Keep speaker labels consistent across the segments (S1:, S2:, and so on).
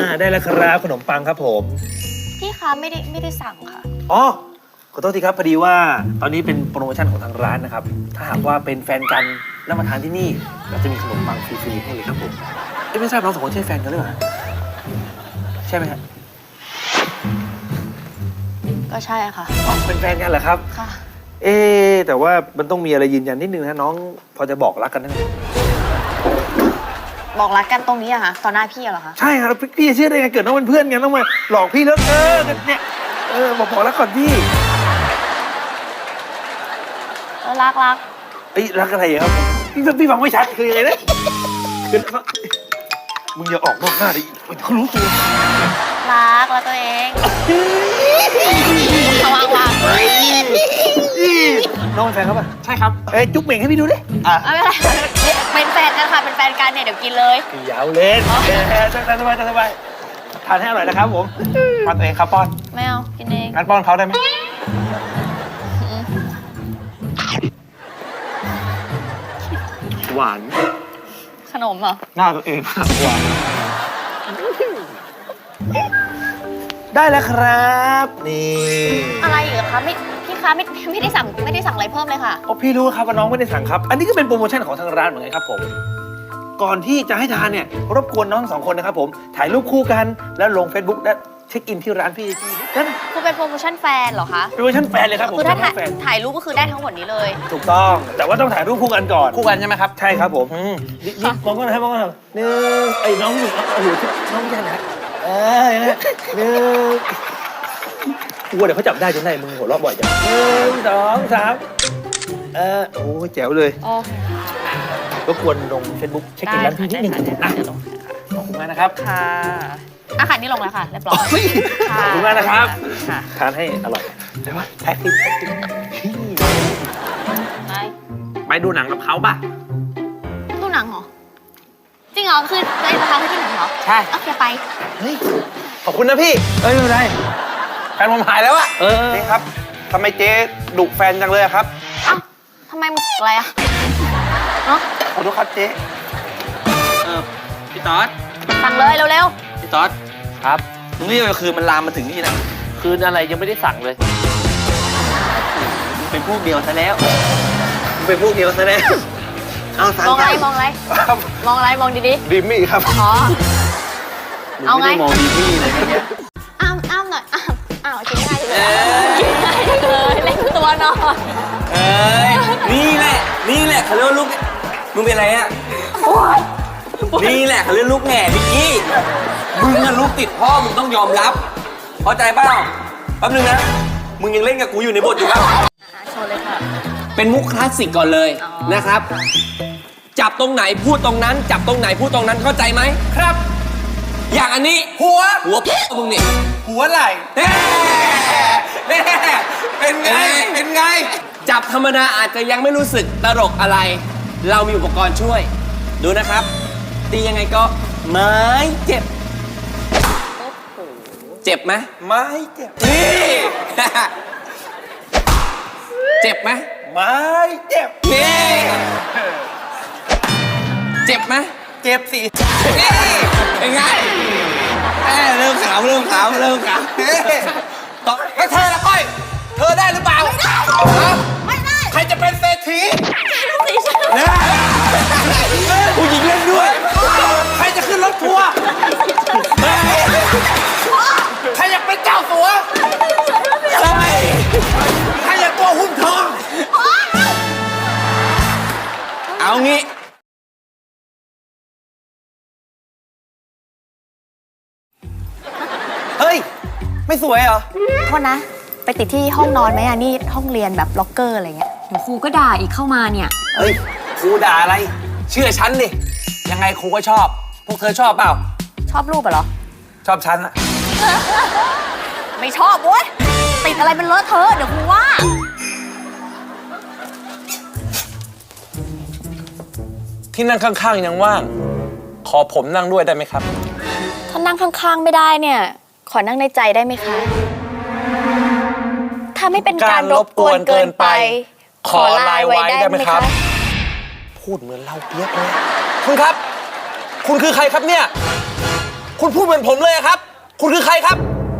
S1: ได้แล้วครับขนมปังครับผม
S2: พี่คะไม่ได้สั่งค่ะ
S1: อ๋อขอโทษทีครับพอดีว่าตอนนี้เป็นโปรโมชั่นของทางร้านนะครับถ้าหากว่าเป็นแฟนกันแล้วมาทานที่นี่เราจะมีขนมปังฟรีๆให้เลยครับผมไม่ทราบน้องสองคนใช่แฟนกันหรือเปล่าใช่ไหมฮะ
S2: ก็ใช่ค่ะ
S1: อ๋อเป็นแฟนกันเหรอครับ
S2: ค่ะ
S1: แต่ว่ามันต้องมีอะไรยืนยันนิดนึงนะน้องพอจะบอกรักกันได้ไหม
S2: บอกรักกันตรงนี้อะค่ะต่อหน้าพี่เหรอคะ
S1: ใช่ครับพี่จะเชื่อได้ไงเกิดน้องเป็นเพื่อนกันต้องมาหลอกพี่แล้วเนี่ยบอกรักก่อนพี่
S2: รัก
S1: รักอะไรครับพี่ฟังไม่ชัดคือยังไงนะคือมึงอย่าออกนอกหน้าดิเขารู้ตัว
S2: รักตัวเองวาง
S1: น้องเป็นแฟนเขาป่ะใช่ครับจุ๊บเหม่งให้พี่ดูดิ
S2: ไม่เป็นไรเป็นแฟนกันค่ะเป็นแฟนกันเนี่ยเดี๋ยวกินเลย
S1: ยาวเล่นสบายทานให้อร่อยนะครับผมป้อนตัวเองครับป้อน
S2: ไม่เอากินเอง
S1: งั้นป้อนเขาได้ไหมหวาน
S2: ขนมเหรอ
S1: หน้าตัวเองหวานได้แล้วครับนี่
S2: อะไรอีกคะพี่คะไม่ได้สั่งอะไรเพิ่มเลยค่ะ
S1: พี่รู้ครับว่าน้องไม่ได้สั่งครับ อันนี้ก็เป็นโปรโมชั่นของทางร้านเหมือนกันครับผมก่อนที่จะให้ทานเนี่ยรบกวนน้องสองคนนะครับผมถ่ายรูปคู่กันแล้วลง Facebook และเช็คอินที่ร้านพี่นั่น
S2: คือเป็นโปรโมชั่นแฟนเหรอคะ
S1: โปรโมชั่นแฟนเลยครับผม
S2: คือถ้า
S1: แฟน
S2: ถ่ายรูปก็คือได้ทั้งหมดนี้เลย
S1: ถูกต้องแต่ว่าต้องถ่ายรูปคู่กันก่อน
S3: คู่กันใช่ไหมครับ
S1: ใช่ครับผมนี่มองก็นะครับมองก็นะครับหนึ่งน้องหนึ่งโอ้โหน้องไม่ใช่นะอย่างนี้หนึ่งกลัวเดี๋ยวเขาจับได้จนได้มึงหัวเราะบ่อยจัง1 2 3โอ้แจ๋วเลย
S2: โอเค
S1: รบกวนลง Facebook เช็คอินร้านพี่นิดนึงนะขอบคุณมากนะครับ
S2: ค่ะอาหารนี่ลงแล้วค่ะเรียบร้อย
S1: ขอบคุณมากนะครับ
S2: ค่ะ
S1: ทานให้อร่อยเดี๋ยวแท็กซี่
S3: ไปดูหนังกับเขาป่ะ
S2: ดูหนังเหรอจริงเหรอคือจะพาไปที่หนังเหรอ
S3: ใช่
S2: โอเคไป
S1: เฮ้ยขอบคุณนะพี่ไม่เป็นไร
S3: แฟนผมหายแล้วอะ
S1: นี่ครับทำไมเจ๊ดุแฟนจังเลยครับ
S2: เอ้าทำไมมึงอะไรอะเนาะ
S1: ขอโทษครับเจ๊
S3: พี่ต๊อด
S2: สั่งเลยเร็ว
S3: พี่ต๊อดครับนี่คือมันลามมาถึงนี่นะ
S1: คืนอะไรยังไม่ได้สั่งเลย
S3: เป็นพวกเดียวซะแล้ว
S1: เป็นพวกเดียวซะแล้วเอา
S2: ๆ
S1: สั่ง
S2: มองอะไรมองอะไรมองดี
S1: ดิมมี่ครับ
S2: ๆอ๋อ เอาไง
S3: ม่ด้มองดีพี่เลยเนี่ย
S2: อ้ามหน่อยอ้าวกินง่ายเลยเล่นตัวหน่อย
S3: เอ้ยนี่แหละเขาเรียกว่าลูกมึงเป็นอะไรอะนี่แหละเขาเรียกลูกแง่ดิกี้มึงอะลูกติดพ่อมึงต้องยอมรับเข้าใจเปล่าแป๊บนึงนะมึงยังเล่นกับกูอยู่ในบทอยู่ปะ
S2: โชว์เลยค่ะ
S3: เป็นมุกคลาสสิกก่อนเลย
S2: อ๋อ
S3: นะครับ จับตรงไหนพูดตรงนั้น จับตรงไหนพูดตรงนั้นเข้าใจไหมครับ อย่างอันนี้หัวมึงนี่
S1: หัวไหล่
S3: แน่เป็นไง จับธรรมดาอาจจะยังไม่รู้สึกตลกอะไร เรามีอุปกรณ์ช่วย ดูนะครับ ตียังไงก็ไม่เจ็บ เจ็บไหม
S1: ไม่เจ็บ
S3: นี่ เจ็บไหม
S1: ไม่เจ็บ
S3: นี่ เจ็บไหม
S1: เจ็บสิ
S3: นี่เป็นไงเริ่มขาวต่อแล้วเธอละก้อย เธอได้หรือเปล่า
S2: ไม่ได้
S3: ใครจะเป็นเศรษฐี
S2: สีฉัน
S3: นะผู้หญิงเล่นด้วย ใครจะขึ้นรถทัวร์ใครอยากเป็นเจ้าสัวใครอยากตัวหุ้มทอง เอางี้
S1: เฮ้ยไม่สวยเหรอ
S2: โทษนะ ไปติดที่ห้องนอนไหมอ่ะนี่ห้องเรียนแบบล็อกเกอร์อะไรเงี้ย
S4: เดี๋ยวครูก็ด่าอีกเข้ามาเนี่ย
S3: เฮ้ยครูด่าอะไร เชื่อฉันดิ ยังไงครูก็ชอบ พวกเธอชอบเปล่า
S2: ชอบรูปเหรอ
S3: ชอบฉันอะ
S2: ไม่ชอบเว้ยติดอะไรเป็นเลอะเทอะเดี๋ยวครูว่า
S5: ที่นั่งข้างๆยังว่าง ขอผมนั่งด้วยได้ไหมครับ
S2: ถ้านั่งข้างๆไม่ได้เนี่ย ขอนั่งในใจได้ไหมคะ ถ้าไม่เป็นการรบกวนเกินไป ขอไลน์ไว้ได้ไหมคะ
S5: พูดเหมือนเราเปียกเลย คุณครับ คุณคือใครครับเนี่ยคุณพูดเหมือนผมเลยอะครับ คุณคือใครครับ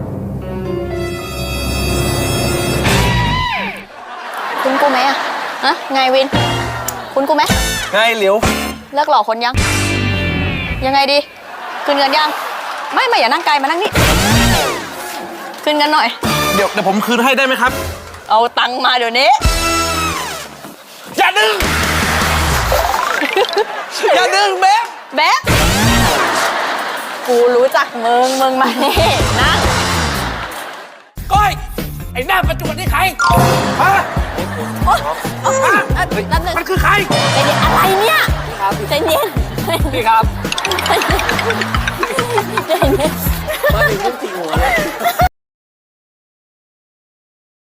S2: คุณกูไหมอะฮะไงวิน คุณกูไหม
S5: ไงเหลียว
S2: เลิกหลอกคนยัง ยังไงดีคืนเงินยัง ไม่อย่านั่งไกลมานั่งนี่คืนเงินหน่อย
S5: เดี๋ยวผมคืนให้ได้ไหมครับ
S2: เอาตังค์มาเดี๋ยวนี้
S5: อย่าดึง อย่าดึงเบ๊
S2: แบ๊กกูรู้จักมึงมานี่นั่ง
S5: ก้อย ไอ้หน้าประจวบนี่ใครฮะ
S2: โอ๊ยแป๊บนึง
S5: มันคือใคร
S2: ใจเย็นอะไรเนี่ยใจเย็น
S3: พี่ครับ
S2: ใจเย็น
S3: มาถึงปุ๊บจิกหัวเลย